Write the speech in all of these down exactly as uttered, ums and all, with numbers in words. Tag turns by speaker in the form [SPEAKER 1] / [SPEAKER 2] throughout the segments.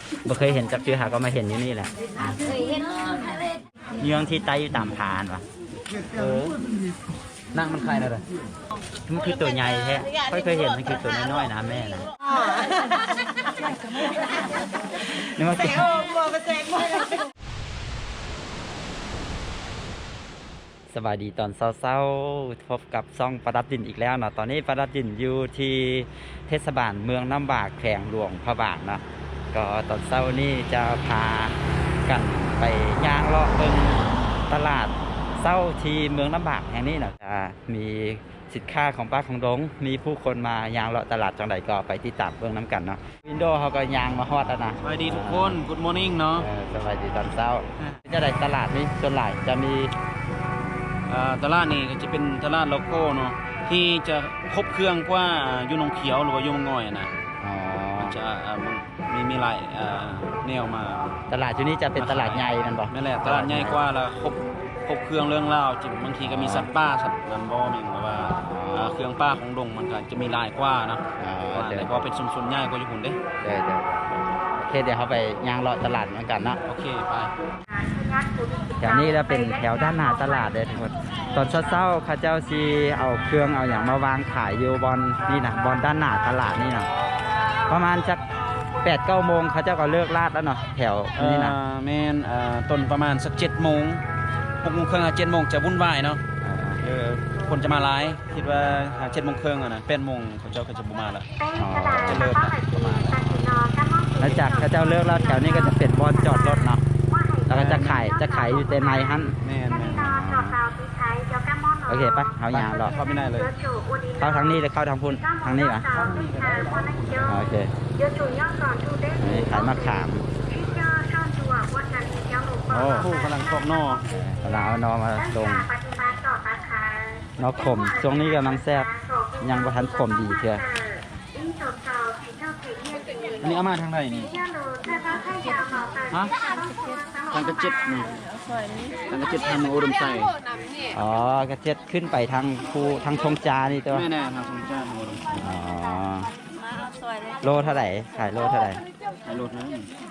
[SPEAKER 1] บ่เคยเห็นจักเจือหาก็มาเห็นอยู่นี่แหละเยืองที่ไตอยู่ตามผานวะ
[SPEAKER 2] เออนั่งมันใครนะเลย
[SPEAKER 1] มันคือตัวใหญ่แท้ค่อยเคยเห็นมันคือตัวน้อยๆนะแม่นะนี่มันคือสวัสดีตอนเช้าๆพบกับซ่องประดับดินอีกแล้วเนาะตอนนี้ประดับดินอยู่ที่เทศบาลเมืองน้ำบากแขวงหลวงพระบางเนาะก็ตอนเช้านี้จะพากันไปย่างเลาะเบิ่งตลาดเช้าที่เมืองน้ำบากแห่งนี้เนาะจะมีสินค้าของป้าของดงมีผู้คนมายางเลาะตลาดจังใดก็ไปติดตามเบิ่งน้ำกันเนาะวินโดว์เขาก็ยางมาฮอดแล้วนะ
[SPEAKER 2] สวัสดีทุกคน Good morning เนาะ
[SPEAKER 1] เออสวัสดีตอนเช้าจะได้ตลาดนี้ส่วนหลายจะมี
[SPEAKER 2] อ่าตลาดนี่ก็จะเป็นตลาดโลโก้เนาะที่จะครบเครื่องกว่ายูนงเขียวหรือว่ายูนงง่อยนะ
[SPEAKER 1] อ๋อ
[SPEAKER 2] มันจะอ่ามันมีมีหลายอ่าแนวมา
[SPEAKER 1] ตลาดที่นี้จะเป็นตลาดใหญ่นั่นบ่
[SPEAKER 2] นั่นแหละตลาดใหญ่กว่าแล้วครบครบเครื่องเรื่องราวจิบางทีก็มีสัตว์ป่าสัตว์นันบ่มีแบบว่าอ่าเครื่องป่าของดงมันก็จะมีหลายกว่าเนาะ
[SPEAKER 1] อ๋อเดี๋ยว
[SPEAKER 2] แต่พอเป็นชุมชนใหญ่กว่าอยู่หุ่นเด้
[SPEAKER 1] เดี๋ยวเดี๋ยวโอเคเดี๋ยวเขาไปย่างเลาะตลาดเหมือนกันเนาะ
[SPEAKER 2] โอเคไป
[SPEAKER 1] แถวนี้จะเป็นแถวด้านหน้าตลาดเลยทุกคนตอนเช้าๆข้าเจ้าซีเอาเครื่องเอาอย่างมาวางขายอยู่บอนนี่นะบอนด้านหน้าตลาดนี่นะประมาณจักแปดเก้าโมงเขาเจ้าก็เลิกลาดแล้วเนาะแถวนี่นะ
[SPEAKER 2] อ่าแม่นอ่าต้นประมาณสักเจ็ดโมงหกโมงครึ่งเจ็ดโมงจะวุ่นวายเนาะ เออคนจะมาไลฟ์คิดว่าหาเจ็ดโมงครึ่งอะนะแปดโมงเขาเจ้าก็จะบุมาละ
[SPEAKER 1] อ๋อ
[SPEAKER 2] จะเลิกละประมาณ
[SPEAKER 1] แล้วจากข้าเจ้าเลิกแล้วแถวนี้ก็จะเป็นบอนจอดรถเนาะแล้วก็จะขายจะขายอยู่แต่ในฮั่น
[SPEAKER 2] แม่นแม่น
[SPEAKER 1] โอเคปะเขาย่างเลาะ
[SPEAKER 2] เข้าไม่ได้เลย
[SPEAKER 1] เข้าทางนี้หรือเข้าทางพุ่นทางนี้ปะโอเคนี่ขายมะขาม
[SPEAKER 2] โอ้ผู้กำลังครอบนอก
[SPEAKER 1] เราเอานอมาลงนอขมช่วงนี้กำลังแซ่บยังบ่ทันขมดีเชียว
[SPEAKER 2] อันนี้เอามาทางไหนนี่ฮะทางกระเจ็ดนี่ทางกระเจ็ดทางเมืองอุดมไซ
[SPEAKER 1] อ๋อกระเจ็ดขึ้นไปทางภูทางชงจานี่ตัว
[SPEAKER 2] แม่แน่ทางสงจ้าทางอุดมไซ
[SPEAKER 1] อ๋อโลเท่าไหร่ขายโลเท่าไหร่
[SPEAKER 2] ไอ้รถนั้น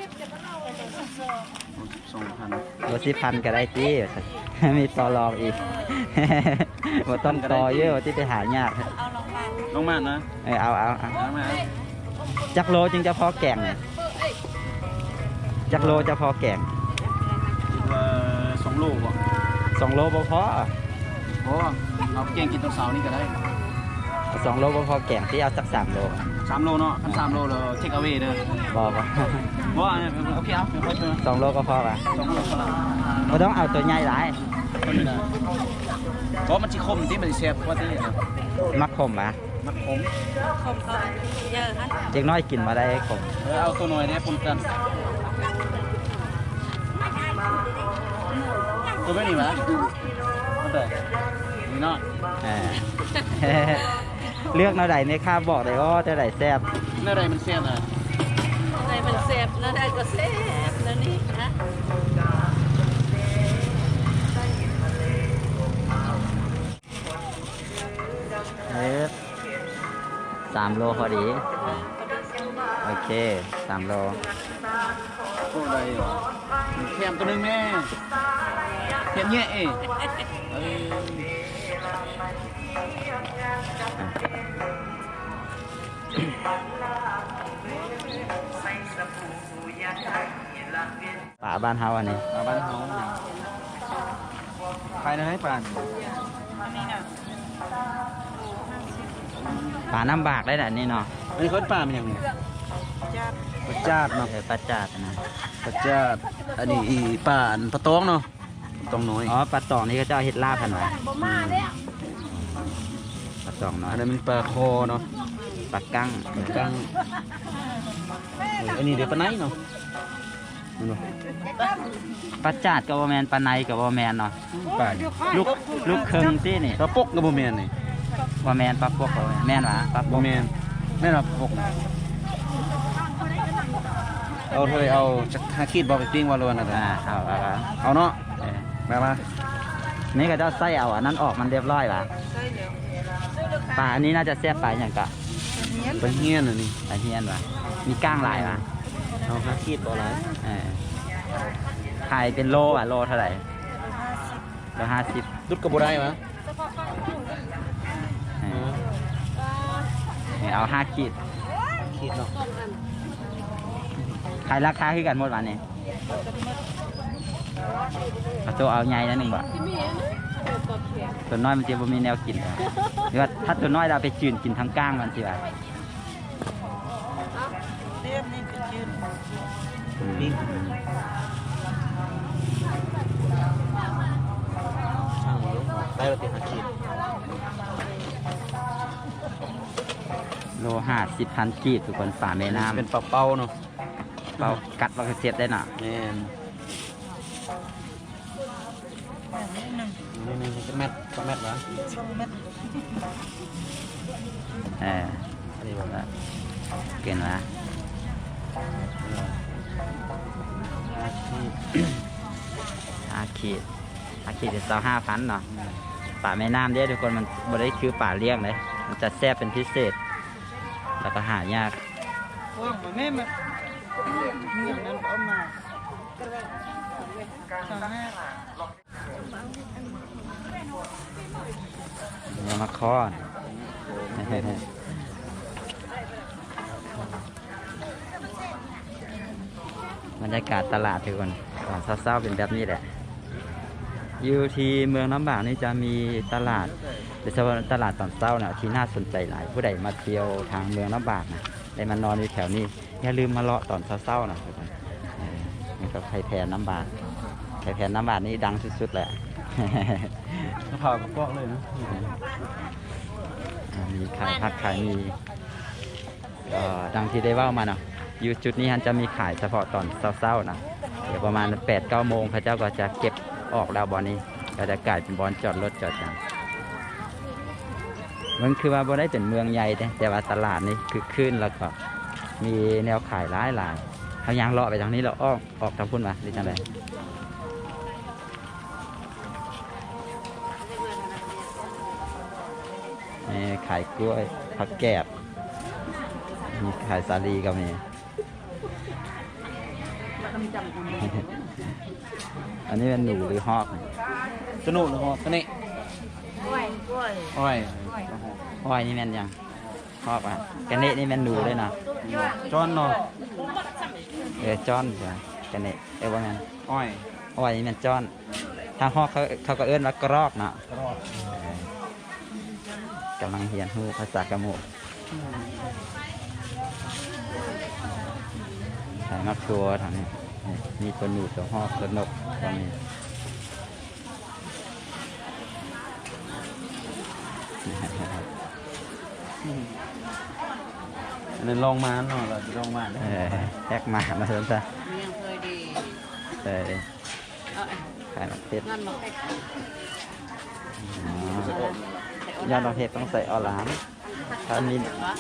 [SPEAKER 2] สองพัน
[SPEAKER 1] โลสิพันก็ได้จี้ มีต่อรองอีก บ่ต้องต่อเยอะที่ไปหายาก
[SPEAKER 2] ลงมานะ
[SPEAKER 1] เออเอาเอาเอา
[SPEAKER 2] เอามา
[SPEAKER 1] จักโลจึงจะพอแกงเนี่ยจักโลจะพอแกง
[SPEAKER 2] คิดว่าสองลูกอ่ะ
[SPEAKER 1] สองโลบ่พอ
[SPEAKER 2] โอ้เอาแกงกินตอนเสาร์นี่ก็ได้
[SPEAKER 1] สองโลบ่พอแกงที่เอาสักสามโล
[SPEAKER 2] สามโลเนาะอันสามโลเราเทคเอาไว้เด้อ
[SPEAKER 1] บ่บ่
[SPEAKER 2] ว่าเนี่ยโอเคเอาเดี๋ยวค่อยเจอ
[SPEAKER 1] สองโลก็พอป่ะ
[SPEAKER 2] สองโลเท่าไหร่
[SPEAKER 1] บ่ต้องเอาตัวใหญ่หลาย
[SPEAKER 2] ก็ไม่ได้เพราะมันจิคมที่มันแซ่บกว่าที่นะ
[SPEAKER 1] มักขมป่ะ
[SPEAKER 2] มันขม
[SPEAKER 1] เด็กน้อยกินมาได้ขม
[SPEAKER 2] เออเอาตัวหน่อยเนี่ยปนกันตัวไม่หนีวะมันแต่นี่เนาะ
[SPEAKER 1] เออ เลือกแนวใดในข้าบอกเลยว่าจะไหนแซ่บ
[SPEAKER 2] เนื้ออะไรมันแซ่บอ่ะ
[SPEAKER 3] ในมันเสพแล้วได้ก็เสพแล้วนี่นะ
[SPEAKER 1] เออสามโลพอดี โอเคสามโล
[SPEAKER 2] โอ้ได้เหรอแคมตัวนึงแม่แคมแย่เอ้เอ้ย
[SPEAKER 1] ป่าบ้านเฮาอันนี้
[SPEAKER 2] มาบ้านเฮาใครนะให้ป่าน
[SPEAKER 1] ป่าน้ำบากได้แหละนี่เนาะ
[SPEAKER 2] อันนี้เขาป่ามันยังไงปลาจาดเนาะ
[SPEAKER 1] เออปลาจาดนะ
[SPEAKER 2] ปลาจาดอันนี้อีป่าอันปลาตองเนาะปลาตองน้อย
[SPEAKER 1] อ๋อปลาตองนี่ก็จะเอาเห็ดลาบกันไว้ปลาตองเนาะ
[SPEAKER 2] อันนั้นมันปลาคอเนาะ
[SPEAKER 1] ปลากั้ง
[SPEAKER 2] ปลากังอันนี้เดี๋ยวปลาไหนเนาะ
[SPEAKER 1] ปลาจาดกับบ่แมนปลาในกับบ่แมนเนาะ
[SPEAKER 2] ป่า
[SPEAKER 1] ลูกลูกเคิงที่นี่
[SPEAKER 2] ปลาปกกับโบแมนนี่
[SPEAKER 1] บ่แมนปลาพวกบ่แม่นหวะปลาพ
[SPEAKER 2] โบ
[SPEAKER 1] วก
[SPEAKER 2] แมนแม่นปลาปกเอาเธอเอาจากหาขีดบอไปปิ้งวาโลนะ
[SPEAKER 1] อ่าเอาเอาเอา
[SPEAKER 2] เอาเนาะ
[SPEAKER 1] เออ
[SPEAKER 2] มามา
[SPEAKER 1] นี่ก็จะใส่เอาอันนั้นออกมันเรียบร้อยป่ะปลาอันนี้น่าจะแซ่บปลาอย่างกะ
[SPEAKER 2] ปลาเฮี้ยนอันนี้
[SPEAKER 1] ปลาเฮียนป่ะมีก้างหลายป่ะ
[SPEAKER 2] เอาเธห้าขีดต่อไร
[SPEAKER 1] เออขายเป็นโลอ่ะโลเท่าไหร่โลห้าสิบ
[SPEAKER 2] ดุดกระบุได้ไหม
[SPEAKER 1] เออเนี่ยเอาห้าขีด
[SPEAKER 2] ขีดเนาะ
[SPEAKER 1] ขายราคาคือกันหมดวันนี้เอาตัวเอาใหญ่นะหนึ่งบาท
[SPEAKER 3] ที่มีนะเออปลาแข็ง
[SPEAKER 1] ตัวน้อยมันจะบ่มีแนวกินเลยหรือว่าถ้าตัวน้อยเราไปจืนกินทั้งก้างมันสิว่า
[SPEAKER 3] เรียบนี่เป็นยืน
[SPEAKER 1] อืม
[SPEAKER 2] ช่างเยอะได้ปฏิหารขีด
[SPEAKER 1] โลห้าสิบพันกีบทุกคนฝ่าแม่น้ำ
[SPEAKER 2] เป็นปลาเป้าเนาะ
[SPEAKER 1] เปากัดแล้วก็เสียบได้น่ะ
[SPEAKER 2] แม่นนี่นี่จะแมทจะแมทวะ
[SPEAKER 1] เออ
[SPEAKER 2] อันนี้บอก
[SPEAKER 1] แล้วเกินวะอาขีดอาขีดจะเศร้าห้าพันเนาะป่าแม่น้ำเด้อทุกคนมันบ่ได้คือป่าเลี้ยงเลยมันจะแซ่บเป็นพิเศษ แล้วก็หายาก
[SPEAKER 3] ว่างมาแม่มาเมืองนั้นเอามาสองห้า
[SPEAKER 1] เนี่ยมาคอน บรรยากาศตลาดทุกคนตอนเศร้าๆเป็นแบบนี้แหละอยู่ที่เมืองน้ำบากนี่จะมีตลาดโดยเฉพาะตลาดตอนเช้าเนี่ยที่น่าสนใจหลาย ผู้ใดมาเที่ยวทางเมืองน้ำบากนะได้มานอนอยู่แถวนี้อย่าลืมมาเลาะตอนเช้าๆนะทุกคนเออนี่ก็ไข่แพนน้ำบากไข่แพนน้ำบากนี่ดังสุดๆแหละ
[SPEAKER 2] มะพร้าวกับกอกเลยนะ
[SPEAKER 1] อ่ามีขายผักขายมีก็ดังที่ได้เว่ามาเนาะอยู่จุดนี้ฮันจะมีขายเฉพาะตอนเช้าๆนะเดี๋ยวประมาณแปดเก้าโมงพระเจ้าก็จะเก็บออกแล้วบอลนี้ก็จะกลายเป็นบอลจอดรถจอดจังมันคือว่าบ่ได้เป็นเมืองใหญ่แต่แต่ว่าตลาดนี่คือขึ้นแล้วก็มีแนวขายหลายหลายเขายางเลาะไปทางนี้เราอ้อมออกทางพุ่นมาหรือจังไดนี่ขายกล้วยผักแกบมีขายสาลีก็มี อันนี้เป็นหนูหรือฮอก
[SPEAKER 2] สนุกเลยฮะสนิท
[SPEAKER 3] กล้วยกล้วย
[SPEAKER 2] อ้อย
[SPEAKER 1] ฮอยนี่แม่นยังฮอกอ่ะกันเนะนี่แม่นหนูเลยนะ
[SPEAKER 2] จอนเนาะ
[SPEAKER 1] เออจอนจ้ะกันเนะเออว่างั้น
[SPEAKER 2] อ้อย
[SPEAKER 1] ฮอยนี่แม่นจอนถ้าฮอกเขาเขาก็เอิ้นว่ากรอกเนาะ
[SPEAKER 2] กรอก
[SPEAKER 1] กำลังเรียนฮู้ภาษากะโมกขายมักตัวทางนี้นี่มีตัวหนูตัวฮอกตัวนกตรงนี้
[SPEAKER 2] อันนั้นลองมาเนาะเราจะลองมา
[SPEAKER 1] เออแทกมามาเถอะจ้ะ
[SPEAKER 3] เมียงเคยดี
[SPEAKER 1] เออ
[SPEAKER 3] เอา
[SPEAKER 1] ขายมักเพชร
[SPEAKER 3] งานมาให้
[SPEAKER 1] อ๋อยอดดอกเห็ดต้องใส่ออหลามถ้ามี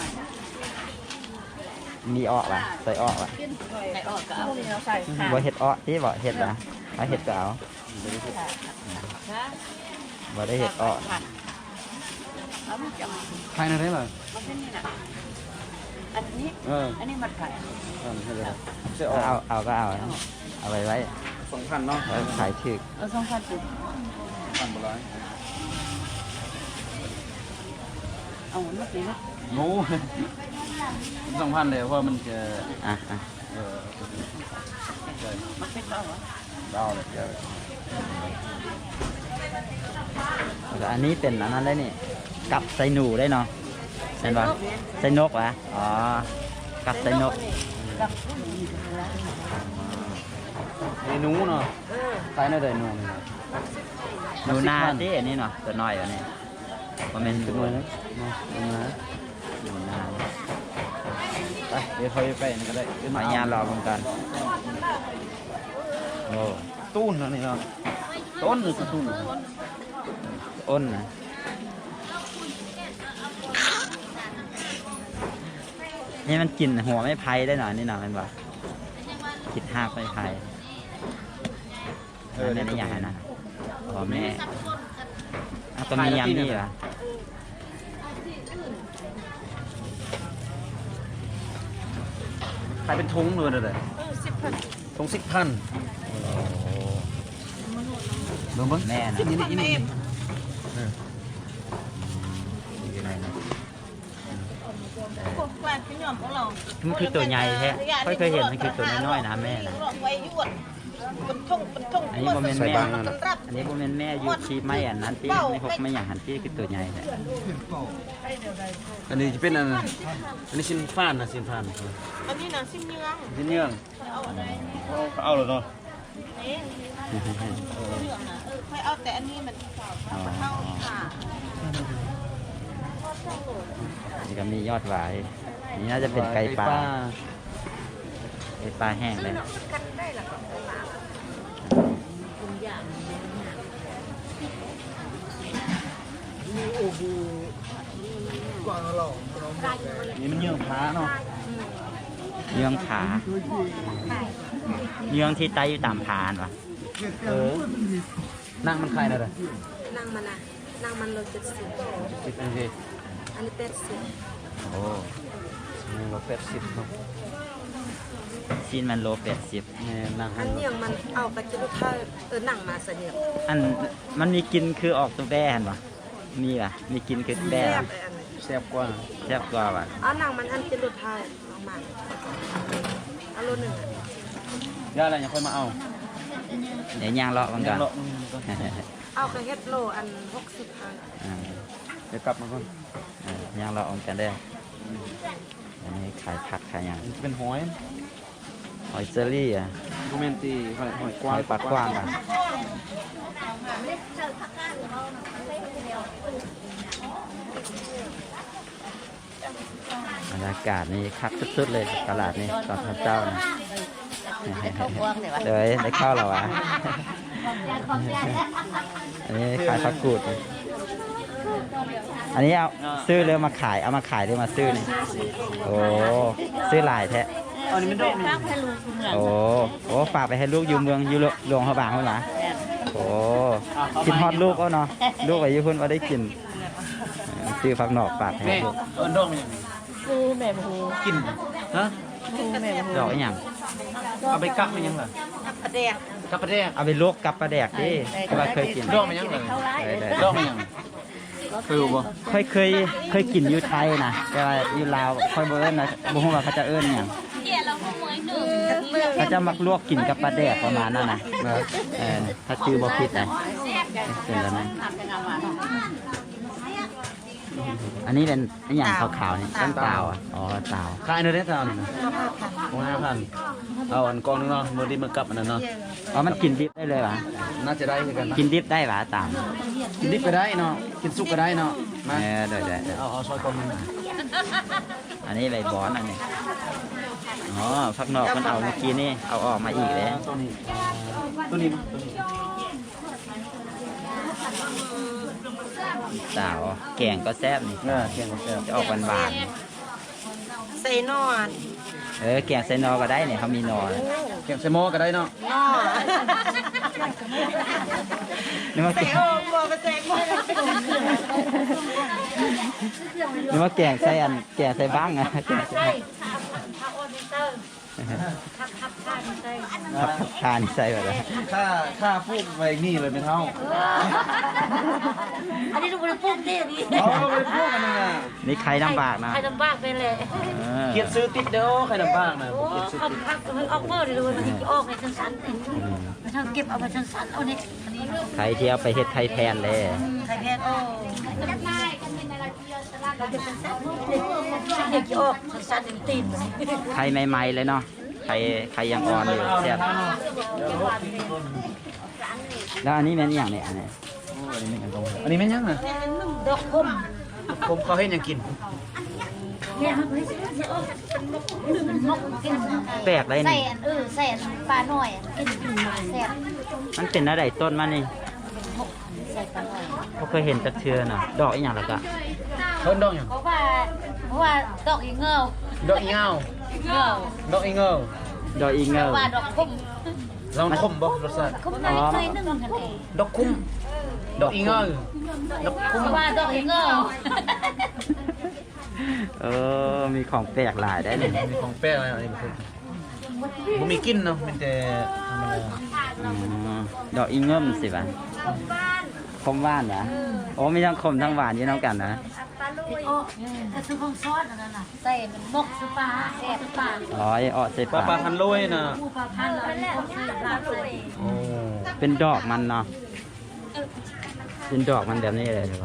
[SPEAKER 1] มีออกป่ะใส่ออกป่ะ
[SPEAKER 3] ไก่ออกก็เอาเราใส่ค่ะ
[SPEAKER 1] บ่เห็ดออกที่บ่เห็ดนะเอาเห็ดก็เอา
[SPEAKER 3] นะ
[SPEAKER 1] บ่ได้เห็ดออก
[SPEAKER 3] เอามันจะ
[SPEAKER 2] ใครนะได้เลย
[SPEAKER 3] มันเป็นนี่นะอันนี้
[SPEAKER 2] เออ
[SPEAKER 3] อันนี้มันไข่
[SPEAKER 2] เออใช่เลยเสียอ
[SPEAKER 1] เอา
[SPEAKER 2] อก
[SPEAKER 1] เอาก็เอานะเอาไว้ไว้
[SPEAKER 2] สองพันเนาะ
[SPEAKER 1] แล้วขายถึก
[SPEAKER 3] เอาสองพันสิบ
[SPEAKER 2] พันบร้อย
[SPEAKER 3] เอาเมื่อกี้นะ
[SPEAKER 2] งูสองพันเลยเพราะมันจะ
[SPEAKER 1] อ่ะอ่ะ
[SPEAKER 2] เออใช่
[SPEAKER 3] มันเป็นเราเหรอ
[SPEAKER 2] ดาวเลยเดี๋ยว
[SPEAKER 1] แล้วอันนี้เป็นอันนั้นได้นี่กับใส่หนูได้เนาะเห็นป่ะใส่นกวะอ๋อกับใส่นก
[SPEAKER 2] ไอ้หนูเนาะ
[SPEAKER 3] เออ
[SPEAKER 2] ใครน่าได้หนูเนี่ย
[SPEAKER 1] หนูนาที่อันนี้เนาะตัวน้อยอันนี้บ่แม่น
[SPEAKER 2] เป็น
[SPEAKER 1] หนู
[SPEAKER 2] ไงนะเนาะเป็นไงนะ
[SPEAKER 1] หนูนา
[SPEAKER 2] ไปเดี๋ยวเขาไปนี่ก็ได้
[SPEAKER 1] ขออนุญาตรอเหมือนกันโอ้
[SPEAKER 2] ตู้นนะนี่เนาะต้นหรือตู้น
[SPEAKER 1] อ้นนะนี่มันกลิ่นหัวไม่ไผ่ได้หน่อยนี่หน่อยมันบอกคิดห้ากไม่ไผ่เออในนี้อย่างไรนะอ๋อแม่อ่ะก็มียำนี่เหรอ
[SPEAKER 2] ใครเป็นทุงเลยเลย
[SPEAKER 3] เออสิบพัน
[SPEAKER 2] ทงสิบพันเบิ่งเบิ่ง
[SPEAKER 1] แม่นะ
[SPEAKER 2] นี่นี่นี่
[SPEAKER 3] พวกแฟนพี่หย่อมของเรา
[SPEAKER 1] มันคือตัวใหญ่แท้ค่อยเคยเห็นมันคือตัวน้อยๆนะแม่นะ
[SPEAKER 3] ไว้ยวดเป็นทุ่งเป็นทุ่ง
[SPEAKER 1] อันนี้โมเมนต์
[SPEAKER 2] ใส่
[SPEAKER 1] แม่
[SPEAKER 2] บางนั่นน่ะ
[SPEAKER 1] อันนี้โมเมนต์แม่อยู่ชีไม่อันนั้นที่ไม่หกไม่อย่างหันที่คือตัวใหญ่แท้
[SPEAKER 2] อันนี้จะเป็นอันอันนี้ชิ้นฟ้านนะชิ้นฟ้าน
[SPEAKER 3] อันนี้นะซิมเยือง
[SPEAKER 2] ชิ้นเนื้อง
[SPEAKER 3] เอาอะไร
[SPEAKER 2] เอาเลยเนาะ
[SPEAKER 3] เอ๊ะเยืองนะเออค่อยเอาแต่อันนี้มันเข้าค่ะ
[SPEAKER 1] นี่ก็มียอดหวายนี่น่าจะเป็นไก่ปลาไก่ปลาแห้งเลย
[SPEAKER 2] นี่มันเยื่อผาเนาะ
[SPEAKER 1] เยื่องผาเยื่องที่ไตอยู่ตามผานวะ
[SPEAKER 2] เออนั่งมันใครนะเด้อ
[SPEAKER 4] นั่งมันนะนั่งมันโลเจ็ดสิบ
[SPEAKER 2] สิบนาที
[SPEAKER 4] อันนี้แปดสิบ
[SPEAKER 1] โอ้
[SPEAKER 2] นี่เราเป็ดสิบเนาะ
[SPEAKER 1] ชิ้นมันโลแปดสิบ
[SPEAKER 2] นี่นั่ง
[SPEAKER 4] อันเนียงมันเอาไปจะลูกค้าเออนั่งมาเสนียง
[SPEAKER 1] อันมันมีกินคือออกตัวแบ่นวะมีป่ะมีกินคือแบ่
[SPEAKER 4] แซ่
[SPEAKER 1] วะ
[SPEAKER 4] บไอ้อันนี้
[SPEAKER 2] แซ่บกว่า
[SPEAKER 1] แซ่บกว่าว่ะ
[SPEAKER 4] เอานั่งมันอันจะลูกค้าลองมาเอาโลหนึ่งอะ
[SPEAKER 2] ย่าอะไรยังค่อยมาเอา
[SPEAKER 1] เดี๋ยวย่างเลาะมันก่อน
[SPEAKER 2] เลาะมันก่อน
[SPEAKER 4] เอากระเฮ็ดโลอันหกสิบพัน
[SPEAKER 1] อ่า
[SPEAKER 2] เดี๋ยวกลับมาก่อน
[SPEAKER 1] อ่าย่างเลาะมันกันได้ออันนี้ขายผักขายอย่าง
[SPEAKER 2] เป็นหอย
[SPEAKER 1] หอยเจอรี่อ่ะ
[SPEAKER 2] โมเมนตีหอยหอยก
[SPEAKER 1] ห
[SPEAKER 2] ว้าง
[SPEAKER 1] อยปากกว้างอ่ะบรรยากาศนี่คักสุดๆเลยตลาดนี่ตอนเจ้านะเดี๋ยวได้เข้าแล้ววะอันนี้ขายผักกูด อันนี้เอาซื้อเรือมาขายเอามาขายหรือมาซื้อนี่โอ้ซื้อหลายแท้
[SPEAKER 2] อันนี้มันโดดนี่
[SPEAKER 1] โอ้โอ้ฝากไปให้ลูกอยู่เมืองอยู่หลวงพระบางเขาหรอโอ้กินฮอดลูกก็เนาะลูกอายุเพิ่นว่าได้กินซื้อผักหนอกฝากให้
[SPEAKER 2] นี่
[SPEAKER 1] ลูก
[SPEAKER 2] เอินโดดมันยังไง
[SPEAKER 3] ฟูแม่ฟู
[SPEAKER 2] กินฮะ
[SPEAKER 3] ฟูแม่ฟู
[SPEAKER 1] ดอกอหย่าง
[SPEAKER 2] เอาไปกักมันยังล่ะ
[SPEAKER 3] ประเดี๋ยว
[SPEAKER 2] กับประเดก
[SPEAKER 1] เอาไปลวกกับปลาแดกดิเพราะว่าเคยกิน
[SPEAKER 2] โดดมันยังเลย
[SPEAKER 1] ได้ได้
[SPEAKER 2] โดดมันยังคือบ่
[SPEAKER 1] เคยเคยเคยกินอยู่ไทยนะแต่ว่าอยู่ลาวค่อยบ่เอิ้นนะบ่ฮู้ว่าเขาจะเอิ้นหยังเขาจะมักลวกกินกับปลาแดกประมาณนั้นนะเออถ้าชื่อบ่ผิดนะเป็นแล้วนะอันนี้เป็นอหย่างขาวๆนี่ต้นเตาอ่ะอ๋อเตา
[SPEAKER 2] ขายในเรสตาวนี่นะโอ้ห้าพันเอาอันกองนึงเนาะมือดีมือกลับอันนั้นเนาะ
[SPEAKER 1] อ๋อมันกินดิบได้เลยป่ะ
[SPEAKER 2] น่าจะได้เหมือนกันนะ
[SPEAKER 1] กินดิบได้ป่ะตาม
[SPEAKER 2] กินดิบก็ได้เนาะกินสุกก็ได้เนาะมา
[SPEAKER 1] เออเดี๋ยวเดี๋ยวเดี๋ยว
[SPEAKER 2] เอาเอาซอยกองนึง
[SPEAKER 1] อันนี้ใบบอนอันนี้อ๋อพักนอกมันเอาเมื่อกี้นี่เอาออกมาอีกแล้ว
[SPEAKER 2] ตัวนี้ตัวนี้ตัวนี้
[SPEAKER 1] สาวแกงก็แซ่บนี่
[SPEAKER 2] เออเคียงกับแซ่บ
[SPEAKER 1] จะออกหวานหวาน
[SPEAKER 4] ใส่นอน
[SPEAKER 1] ๆเออแกงใส่นอก็ได้เนี่ยเขามีนอเลย
[SPEAKER 2] เคียงใส่หม้อก็ได้เนาะ
[SPEAKER 4] นอ
[SPEAKER 1] นึกว่าแก
[SPEAKER 4] ใส่
[SPEAKER 1] ง
[SPEAKER 4] โอ้บอกไปใส่หม้อ
[SPEAKER 1] นึกว่าแกงใส่อันแกงใส่บ้างอะแกงใส่ครับทานใส่แบบนั้น
[SPEAKER 2] ค่าค่าพูดไว้นี่เลยเป็นเท่า
[SPEAKER 3] อันนี้ดูบริโภคดีนี่
[SPEAKER 2] เอาไปพูดกันนึงอ่ะ
[SPEAKER 1] นี่ใครลำบากนะ
[SPEAKER 3] ใครลำบากไปเลย
[SPEAKER 1] เออ
[SPEAKER 2] เกียรซื้อติดเด้อใครลำบากนะ
[SPEAKER 3] โอ้
[SPEAKER 2] เกียรซื้อ
[SPEAKER 3] ขับ
[SPEAKER 2] ติด
[SPEAKER 3] ขับมันออกเมื่อเดี๋ยวมันจะออกในชั้นๆมันทางเก็บเอาไปชั้นๆเอาเนี่ยอันนี้
[SPEAKER 1] ใครที่เอาไปเฮ็ดไข่แทนเลย
[SPEAKER 3] ไข่แพงโอ้เด็กออกชั้นๆตีน
[SPEAKER 1] ไข่ใหม่ๆเลยเนาะไข่ไข่ยังอ่อนอยู่แซ่บแล้วอันนี้เป็นอหย่างเนี่ยอันนี้
[SPEAKER 2] อันนี้แม่นยังอ่ะ
[SPEAKER 3] ดอกคม
[SPEAKER 2] ผมเขาเห็นยังกิน
[SPEAKER 3] เนี่ยมันจะออกเป็นมกกิน
[SPEAKER 1] แปลกเลย
[SPEAKER 5] ใส่
[SPEAKER 1] นี่
[SPEAKER 5] อันเออใส่อันปลาหน่อยอันกินแซ่บ
[SPEAKER 1] มันเป็นอะไรต้นมันนี่
[SPEAKER 5] ใส่ปลาหน่อย
[SPEAKER 1] เขาเคยเห็นจักเทือน่ะดอกอีหยังแล้วก็
[SPEAKER 2] เพิ่นดอกหยัง
[SPEAKER 5] เพราะว่าเพราะว่าดอกอีเงา
[SPEAKER 2] ดอกอีเงา
[SPEAKER 5] เงา
[SPEAKER 2] ดอกอีเงา
[SPEAKER 1] ดอกอีเง
[SPEAKER 5] เพ
[SPEAKER 1] ล
[SPEAKER 5] ราะว่าดอกคุ้ม
[SPEAKER 2] ลองคมบ่รสชาติ
[SPEAKER 5] คุ้มน้อยน้อยนึงกันเอง
[SPEAKER 2] ดอกคุ้มดอกอีเงาดอกคุ้ม
[SPEAKER 5] เพราะว่าดอกอีเงา
[SPEAKER 1] เออมีของแปลกหลายได้นี่
[SPEAKER 2] มีของแป้งอะไรอันนี้มันคือบ่มีกลิ่นเนาะมีแต่ธรรมดา
[SPEAKER 1] อ๋อดอกอีเงิมสิวะคมหว่านนะโอ้มีทั้งคมทั้งหวานอยู่น้ำกันนะ
[SPEAKER 5] โอ้ถ้าซื้อของซอสอันนั้นน่ะใส่มันมกซื้อปลาแซ่บปลา
[SPEAKER 1] อ๋อไอ้ออใส่
[SPEAKER 2] ปลา
[SPEAKER 1] ปาก
[SPEAKER 2] ปลาพันโลยน่ะ
[SPEAKER 5] หมูปลาพันแล้วผมซื้อลาบใส่
[SPEAKER 2] โอ้
[SPEAKER 1] เป็นดอกมันเนาะเป็นดอกมันแบบนี้เลยใช่ไหม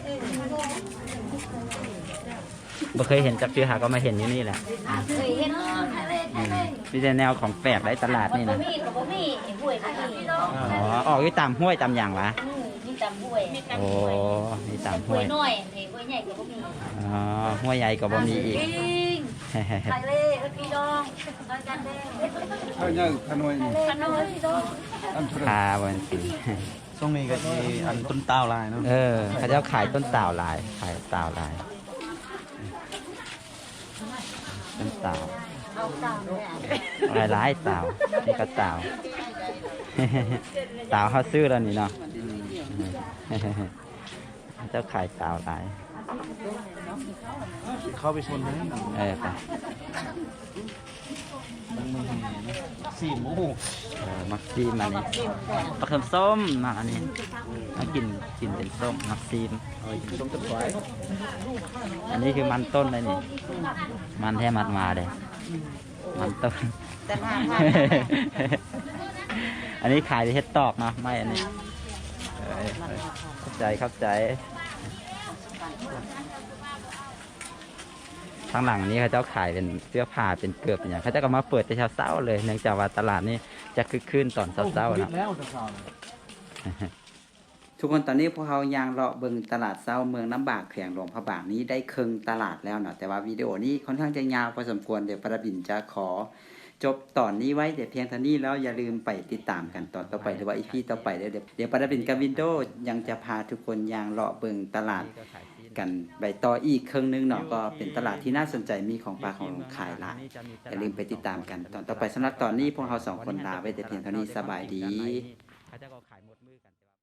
[SPEAKER 1] บ่เคยเห็นจักเทื่อหาก็มาเห็นอยู่นี่แหละ
[SPEAKER 5] เคยเห็น
[SPEAKER 1] อืมมีแต่แนวของแปลกในตลาดนี่
[SPEAKER 5] บ่
[SPEAKER 1] นะ
[SPEAKER 5] มีก็บ่มีห้วยก็มี
[SPEAKER 1] อ๋อออกอยู่ตามห้วยตามอย่างวะ
[SPEAKER 5] มีตำห้วย
[SPEAKER 1] โอ้มีตาม
[SPEAKER 5] ห้
[SPEAKER 1] ห้
[SPEAKER 5] ว
[SPEAKER 1] วย ย
[SPEAKER 5] น้อยห้วยใหญ่ก็บ่มี
[SPEAKER 1] อ๋อห้วยใหญ่ก็บ่มีอีก
[SPEAKER 5] ไข่เล่พี่น้องอาจารย์แดง
[SPEAKER 6] เขาเนี่ยขนวยนี่
[SPEAKER 5] ขนมพี่น้อง
[SPEAKER 6] อันทุเรศ
[SPEAKER 1] คาวันสี
[SPEAKER 2] ช่วงนี้ก็สิอันต้นตาวลายเนาะ
[SPEAKER 1] เออเขาจะขายต้นต่าวลายขายต่าวลายต้นต่าว
[SPEAKER 5] เอาตามเลยอ่ะ
[SPEAKER 1] หลายหลายต่าวนี่ก็ต่าว ต่าวเขาซื้อแล้วนี่เนาะ เจ้าขายต่าวลาย
[SPEAKER 2] เข้าไปชนไหม
[SPEAKER 1] เออไป
[SPEAKER 2] สี่หมู
[SPEAKER 1] เออมักซีมอันนี้ปลาเค็มส้มมาอันนี้มากินกินเป็นส้มมักซีม
[SPEAKER 2] เอาอีกต้มตะไคร้
[SPEAKER 1] อันนี้คือมันต้นเลยนี่ มันแท้มัดมาเลยมันต้น
[SPEAKER 3] แต่มามา
[SPEAKER 1] อันนี้ขายเฮ็ดตอกเนาะไม่อันนี้เอ้ยเข้าใจเข้าใจข้างหลังนี้เขาเจ้าขายเป็นเสื้อผ้าเป็นเกือบเป็นอย่างเขาเจ้าก็มาเปิดแต่เช้าๆเลยเนื่องจากว่าตลาดนี้จะคึกคืนตอนเช้าๆเนาะ
[SPEAKER 2] แล้วตะเช้า
[SPEAKER 1] ทุกคนตอนนี้พวกเขายางเลาะเบิงตลาดเช้าเมืองน้ำบากแขวงหลวงพระบางนี้ได้ครึ่งตลาดแล้วเนาะแต่ว่าวิดีโอนี้ค่อนข้างจะยาวพอสมควรเดี๋ยวประบินจะขอจบตอนนี้ไว้เดี๋ยวเพียงเท่านี้แล้วอย่าลืมไปติดตามกันตอนต่อไปหรือว่าอีพีต่อไปเดี๋ยวเดี๋ยวประบินกับวินโดว์ยังจะพาทุกคนยางเลาะเบิงตลาดกันไปต่ออีกครึ่งหนึงเนาะก็เป็นตลาดที่น่าสนใจมีของปลาของขายหลายอย่าลืมไปติดตามกันตอนต่อไปสำหรับตอนนี้พวกเราสองคนลาไปแต่เพียงเท่านี้สบายดี